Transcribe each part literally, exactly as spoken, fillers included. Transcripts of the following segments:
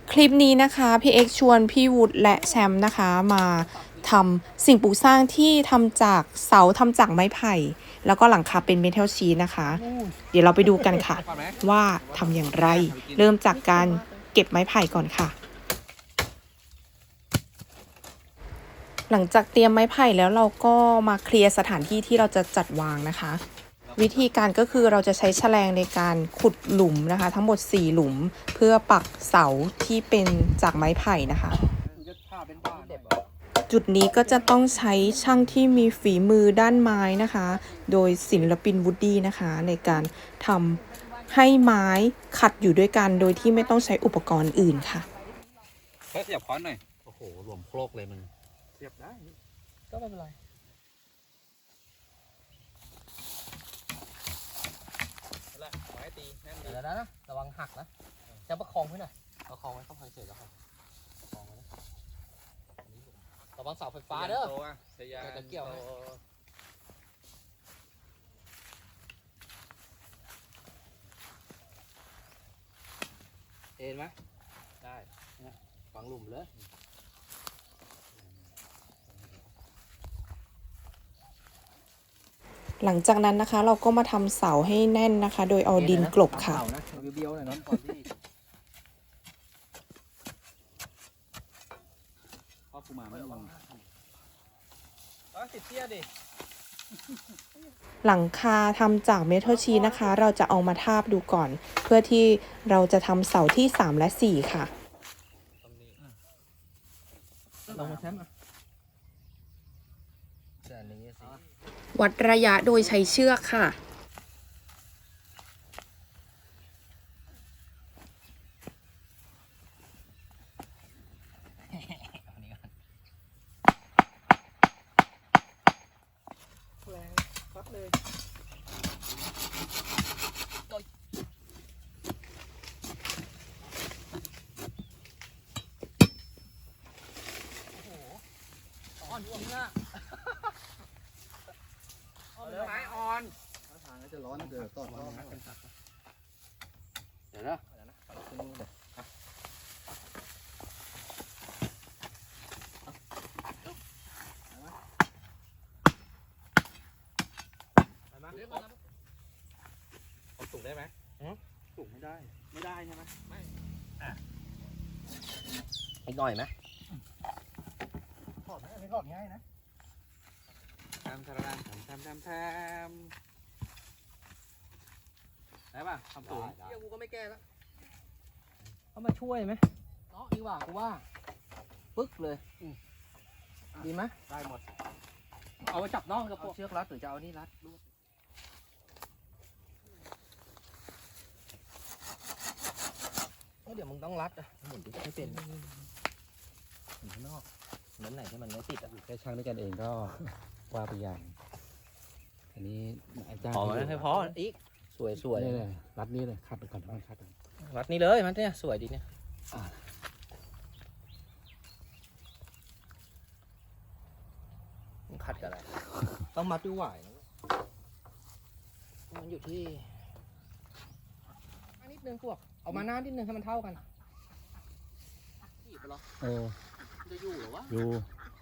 คลิปนี้นะคะพี่เอ็กชวนพี่วุฒิและแชมป์นะคะมาทำสิ่งปลูกสร้างที่ทำจากเสาทำจากไม้ไผ่แล้วก็หลังคาเป็นเมทัลชีทนะคะเดี๋ยวเราไปดูกันค่ะว่าทำอย่างไรเริ่มจากการเก็บไม้ไผ่ก่อนค่ะหลังจากเตรียมไม้ไผ่แล้วเราก็มาเคลียร์สถานที่ที่เราจะจัดวางนะคะวิธีการก็คือเราจะใช้แฉลงในการขุดหลุมนะคะทั้งหมดสี่หลุมเพื่อปักเสาที่เป็นจากไม้ไผ่นะคะจุดนี้ก็จะต้องใช้ช่างที่มีฝีมือด้านไม้นะคะโดยศิลปินวูดดี้นะคะในการทำให้ไม้ขัดอยู่ด้วยกันโดยที่ไม่ต้องใช้อุปกรณ์อื่นค่ะเฮ้ยเสียบค้อนหน่อยโอ้โหรวมโครกเลยมึงเสียบได้ก็ไม่เป็นไรไม้ตีแน่นเดี๋ยวนะนะระวังหักนะจะประคองไว้หน่อยประคองไว้เข้าไปเฉยแล้วครับประคองไว้นะระวังเสาไฟฟ้าเด้อจะเกี่ยวเอ็นไหมได้ฝังหลุมเลยหลังจากนั้นนะคะเราก็มาทำเสาให้แน่นนะคะโดยเอาดินกลบค่ะเบี้ยวๆหน่อยน้องก่อนที่พ่อกูมาไม่ระวังติดเตี้ยดิหลังคาทำจากเมทัลชีทนะคะเราจะเอามาทาบดูก่อนเพื่อที่เราจะทำเสาที่สามและสี่ค่ะลงมาแชมป์วัดระยะโดยใช้เชือกค่ะอ่อนดวงเนี่ยไม้อ่อนทางจะร้อนเดือดต้นเดี๋ยวนะเดี๋ยวนะเอาสูงได้ไหมสูงไม่ได้ไม่ได้ใช่ไหมไม่อ่ะอีกหน่อยไหมถอดไหมอันนี้ถอดง่ายนะทำทำทำทำทำทำได้ป่ะทำสูงเดี๋ยวกูก็ไม่แก้แล้วเขามาช่วยไหมเนาะดีกว่ากูว่าปึ๊กเลยดีไหมได้หมดเอาไปจับน้องกับพวกเชือกรัดหรือจะเอานี่รัดเดี๋ยวมึงต้องรัดอ่ะหมุนให้เป็นหมุนข้างนอกนั้นไหนที่มันไม่ติดอ่ะแค่ช่างด้วยกันเองก็ว่าไปอย่างอันนี้อาจารย์พอให้พออีกสวยสวยนี่เลยรัดนี้เลยคัดไปก่อนต้องคัดรัดนี้เลยมันเนี่ยสวยดีเนี่ยมันคัดกันอะไรต้องมัดด้วยหวายมันอยู่ที่นิดนึงพวกเอามาหน้านิดนึงให้มันเท่ากันเออจะอยู่หรือวะอยู่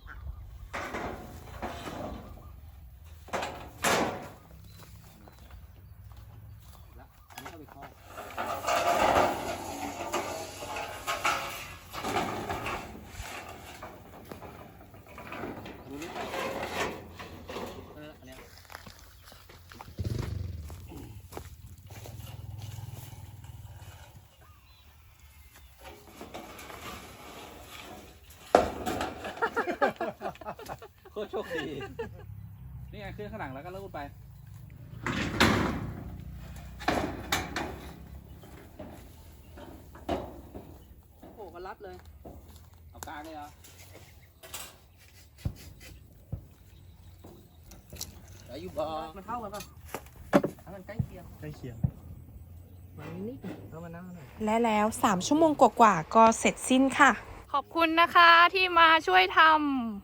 โคตรโชคดีนี่ไงขึ้นข้างหลังแล้วก็ลูดไปโอ้โหก็รัดเลยเอากลางเลยเหรอแล้วอยู่บ่มันเท่ากันป่ะถ้ามันใกล้เคียงใกล้เคียงมันนิดแล้วมันน่าหน่อยและแล้วสามชั่วโมงกว่าๆก็เสร็จสิ้นค่ะขอบคุณนะคะที่มาช่วยทำ